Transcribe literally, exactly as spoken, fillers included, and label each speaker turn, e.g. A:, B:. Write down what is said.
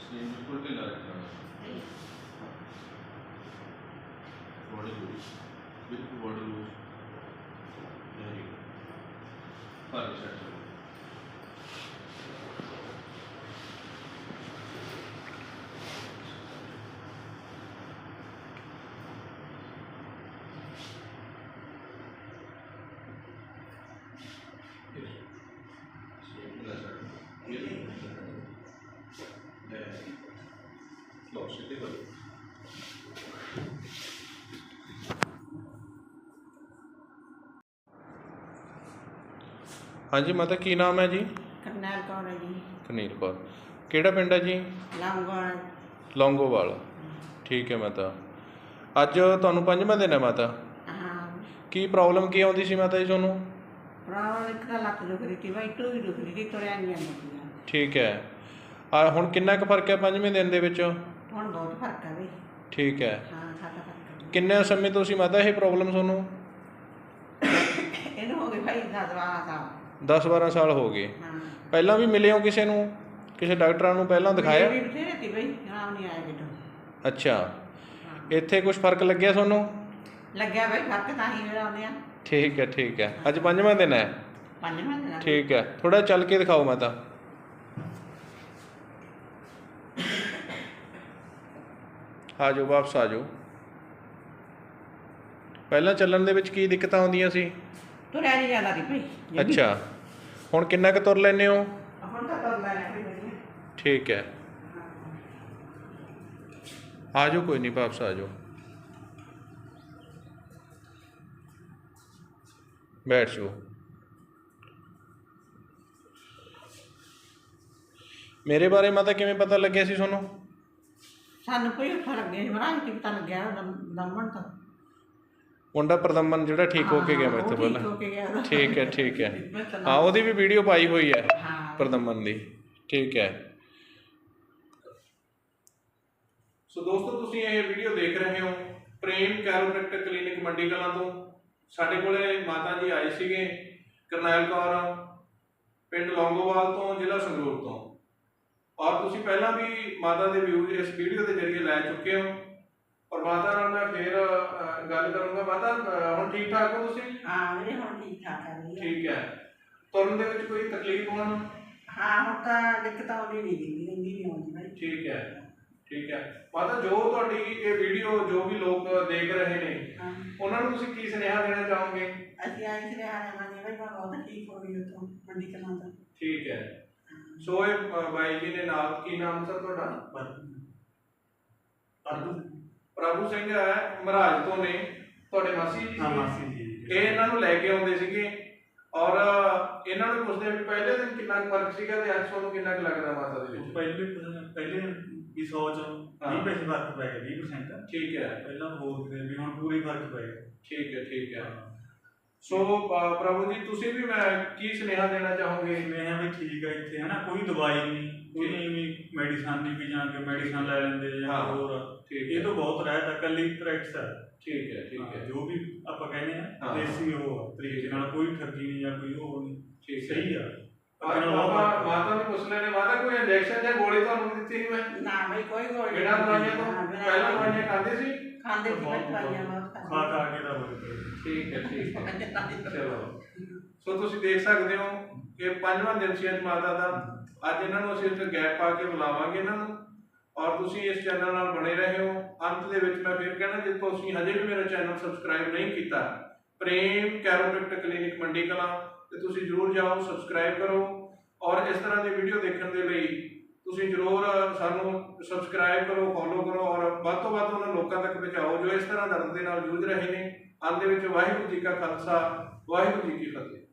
A: Sleeve बिल्कुल ढीला रखना, बॉडी लूज, बिल्कुल बॉडी लूज, वेरी गुड, फार सेट करो। हाँ जी माता की नाम है जी?
B: करनैल कौर है जी।
A: कनील कौर, केड़ा पिंड है जी?
B: लौंगोवाल।
A: लौंगोवाल, ठीक है माता। अज तुहानूं पंजवां दिन है माता,
B: हाँ
A: की प्रॉब्लम की आउंदी सी माता जी तुहानूं?
B: प्रॉब्लम एक तो लत्त दुख रही थी भाई, टूई दुख रही थी, तुरिया नहीं जांदा सीगा।
A: ठीक है, आ हुण किन्ना कुछ फर्क है पंजवें दिन दे विच?
B: हुण बहुत फर्क है भाई।
A: ठीक है,
B: हाँ खासा फर्क है।
A: किन्ने समय तो सी माता ये प्रॉब्लम तुहानूं?
B: इहनूं हो गए भाई दस बारह साल।
A: दस बारह साल हो गए।
B: हाँ
A: पहलां भी मिले हो किसी नूं, किसी डॉक्टरां नूं पहलां दिखाया?
B: भी बथेरे थी भाई, आराम नहीं आया कितों।
A: अच्छा, इत्थे कुछ फर्क लग्या तुहानूं?
B: लग्या भाई फर्क, तां ही मेरा आउने आ।
A: ठीक है ठीक है, अज पंजवां दिन है।
B: पंजवां दिन है।
A: ठीक है, थोड़ा चल के दिखाओ माता। आ जाओ वापस आ जाओ। पहलां चलण दे विच की दिक्कतां आउंदियां सी?
B: तुरिया नहीं जांदा सी भाई।
A: अच्छा, हुण किन्ना क तुर लैंदे हो?
B: हुण तां तुर लैणे भाई वधिया।
A: ठीक है, आ जाओ कोई नहीं, वापस आ जाओ, बैठ जाओ। मेरे बारे माता किवें पता लग्या सी तुहानूं?
B: सानूं कोई उत्थों लग्गिया सी, मराज की पता लग्या दमन तो।
A: मुंडा प्रदमन जिहड़ा ठीक होके गया मेरे तो
B: ठीक
A: पहला।
B: होके गया।
A: ठीक है ठीक है, हाँ ਉਹਦੀ भी वीडियो पाई हुई है
B: हाँ
A: प्रदमन दी। ठीक है, सो दोस्तों तुसीं ये वीडियो देख रहे हो प्रेम कैरोप्रैक्टर क्लिनिक मंडी कलां तो। ਸਾਡੇ ਕੋਲੇ ਮਾਤਾ ਜੀ ਆਏ ਸੀਗੇ ਕਰਨੈਲ ਕੌਰ, ਪਿੰਡ ਲੌਂਗੋਵਾਲ ਤੋਂ, ਜ਼ਿਲ੍ਹਾ ਸੰਗਰੂਰ ਤੋਂ। ਔਰ ਤੁਸੀਂ ਪਹਿਲਾਂ ਵੀ ਮਾਤਾ ਦੇ ਵਿਊਜ਼ ਇਸ ਵੀਡੀਓ ਦੇ ਜ਼ਰੀਏ ਲੈ ਚੁੱਕੇ ਹੋ। ਔਰ ਮਾਤਾ ਨਾਲ ਮੈਂ ਫਿਰ ਗੱਲ ਕਰੂੰਗਾ। ਮਾਤਾ ਹੁਣ ਠੀਕ ਠਾਕ ਹੋ ਤੁਸੀਂ?
B: हाँ मेरे हुण ठीक ठाक है भैया।
A: ठीक है, तुरन दे विच कोई तकलीफ होना?
B: हाँ हुण तां दिक्कत आउंदी नहीं, दिंदी रहिंदी नहीं आउंदी भाई।
A: ठीक है ठीक है माता, जो तुहाडी ये वीडियो जो भी लोग देख रहे ने
B: हाँ
A: ਉਹਨਾਂ ਨੂੰ ਤੁਸੀਂ ਕੀ ਸੁਨੇਹਾ ਦੇਣਾ ਚਾਹੋਗੇ?
B: ਅਸੀਂ ਆਏ ਸੀ ਰਿਹਾਣੇ ਵਾਲੇ ਭਾਈ, ਮੈਂ ਬਹੁਤ ਠੀਕ ਹੋ ਗਈ ਉੱਥੋਂ ਮੰਡੀ ਕਲਾਂ ਤੋਂ।
A: ਠੀਕ ਹੈ, ਸੋ ਇਹ ਅ, ਬਾਈ ਜੀ ਨੇ ਨਾਲ, ਕੀ ਨਾਮ ਸਰ ਤੁਹਾਡਾ?
C: ਪ੍ਰਭੂ
A: ਪ੍ਰਭੂ ਸਿੰਘ ਹੈ, ਮਹਾਰਾਜ ਤੋਂ ਨੇ, ਤੁਹਾਡੇ ਮਾਸੀ ਜੀ
C: ਹਾਂ
A: ਸੀ।
C: ਮਾਸੀ ਜੀ।
A: ਇਹ ਇਹਨਾਂ ਨੂੰ ਲੈ ਕੇ ਆਉਂਦੇ ਸੀਗੇ ਔਰ ਇਹਨਾਂ ਨੂੰ ਪੁੱਛਦੇ ਵੀ ਪਹਿਲੇ ਦਿਨ ਕਿੰਨਾ ਕੁ ਫਰਕ ਸੀਗਾ ਤੇ ਅੱਜ ਤੁਹਾਨੂੰ ਕਿੰਨਾ ਕੁ ਲੱਗਦਾ ਮਾਤਾ ਦੇ ਵਿੱਚ?
C: ਪਹਿਲੇ ਪਹਿਲੇ ਵੀ ਸੌ ਚੋਂ ਵੀਹ ਪੈਸੇ ਫਰਕ ਪੈ ਗਿਆ, ਵੀਹ percent।
A: ਠੀਕ ਹੈ,
C: ਪਹਿਲਾਂ ਹੋਰ ਸੀ ਵੀ ਹੁਣ ਪੂਰੀ ਫਰਕ ਪੈ ਗਿਆ।
A: ਠੀਕ ਹੈ ਠੀਕ ਹੈ। ਸੋ ਅ, ਪ੍ਰਭੂ ਜੀ ਤੁਸੀਂ ਵੀ ਮੈਂ ਕੀ ਸੁਨੇਹਾ ਦੇਣਾ ਚਾਹੋਗੇ?
C: ਮੈਂ ਵੀ ਠੀਕ ਹੈ ਇੱਥੇ ਹੈ ਨਾ, ਕੋਈ ਦਵਾਈ ਨਹੀਂ, ਕੋਈ ਵੀ ਮੈਡੀਸਨ ਨਹੀਂ ਵੀ ਜਾਂ ਕੇ ਮੈਡੀਸਨ ਲੈ ਲੈਂਦੇ ਜਾਂ
A: ਹਾਂ,
C: ਹੋਰ।
A: ਠੀਕ
C: ਇਹ
A: ਹੈ
C: ਤੋਂ ਬਹੁਤ ਰਹਿਤ ਹੈ, ਕੱਲੀ ਪ੍ਰੈਕਟਿਸ ਹੈ।
A: ਠੀਕ ਹੈ ਠੀਕ ਹੈ
C: ਜੋ ਵੀ ਆਪਾਂ ਕਹਿੰਦੇ ਆ
A: ਹਾਂ।
C: ਦੇਸੀ ਉਹ ਆ, ਤਰੀਕੇ ਨਾਲ, ਕੋਈ ਠੱਗੀ ਨਹੀਂ ਜਾਂ ਕੋਈ ਉਹ ਨਹੀਂ,
A: ਠੀਕ ਹੈ।
C: ਸਹੀ ਆ।
A: ਮਾਤਾ ਮਾਤਾ ਨੂੰ ਪੁੱਛ ਲੈਣੇ, ਮਾਤਾ ਕੋਈ ਇੰਜੈਕਸ਼ਨ ਜਾਂ ਗੋਲੀ ਤੁਹਾਨੂੰ ਦਿੱਤੀ ਸੀ? ਮੈਂ
B: ਨਾ ਭਾਈ ਕੋਈ ਗੋਲੀ ਨਹੀਂ।
A: ਬਿਨਾਂ ਦਵਾਈਆਂ ਤੋਂ
B: ਹਾਂ, ਬਿਨਾਂ
A: ਪਹਿਲਾਂ ਦਵਾਈਆਂ ਖਾਂਦੇ ਸੀ?
B: ਖਾਂਦੇ ਸੀ ਭਾਈ, ਦਵਾਈਆਂ ਬਹੁਤ
C: ਖਾ
B: ਖਾਂਦੇ
C: ਖਾ ਕੇ ਤਾਂ ਬੋਲ
A: ਠੀਕ ਹੈ ਠੀਕ ਹੈ,
B: ਸੀ।
A: ਚਲੋ। ਸੋ ਤੁਸੀਂ ਦੇਖ ਸਕਦੇ ਹੋ ਕਿ ਪੰਜਵਾਂ ਦਿਨ ਸੀ ਅੱਜ ਮਾਤਾ ਦਾ। ਅੱਜ ਇਹਨਾਂ ਨੂੰ ਅਸੀਂ ਇੱਥੇ ਗੈਪ ਪਾ ਕੇ ਬੁਲਾਵਾਂਗੇ ਇਹਨਾਂ ਨੂੰ, ਔਰ ਤੁਸੀਂ ਇਸ ਚੈਨਲ ਨਾਲ ਬਣੇ ਰਹੇ ਹੋ। ਅੰਤ ਦੇ ਵਿੱਚ ਮੈਂ ਫਿਰ ਕਹਿਣਾ, ਜੇ ਤੁਸੀਂ ਹਜੇ ਵੀ ਮੇਰਾ ਚੈਨਲ ਸਬਸਕ੍ਰਾਈਬ ਨਹੀਂ ਕੀਤਾ, ਪ੍ਰੇਮ ਕੈਰੋਪ੍ਰੈਕਟਰ ਕਲੀਨਿਕ ਮੰਡੀ ਕਲਾਂ, ਤੇ ਤੁਸੀਂ ਜ਼ਰੂਰ ਜਾਓ, ਸਬਸਕ੍ਰਾਈਬ ਕਰੋ। ਔਰ ਇਸ ਤਰ੍ਹਾਂ ਦੀ ਵੀਡੀਓ ਦੇਖਣ ਦੇ ਲਈ ਤੁਸੀਂ ਜ਼ਰੂਰ ਸਾਨੂੰ ਸਬਸਕ੍ਰਾਈਬ ਕਰੋ, ਫੋਲੋ ਕਰੋ, ਔਰ ਵੱਧ ਤੋਂ ਵੱਧ ਉਹਨਾਂ ਲੋਕਾਂ ਤੱਕ ਪਹੁੰਚਾਓ ਜੋ ਇਸ ਤਰ੍ਹਾਂ ਦਰਦ ਦੇ ਨਾਲ ਜੂਝ ਰਹੇ ਨੇ। ਅੰਤ ਦੇ ਵਿੱਚ ਵਾਹਿਗੁਰੂ ਜੀ ਕਾ ਖਾਲਸਾ, ਵਾਹਿਗੁਰੂ ਜੀ ਕੀ ਫਤਿਹ।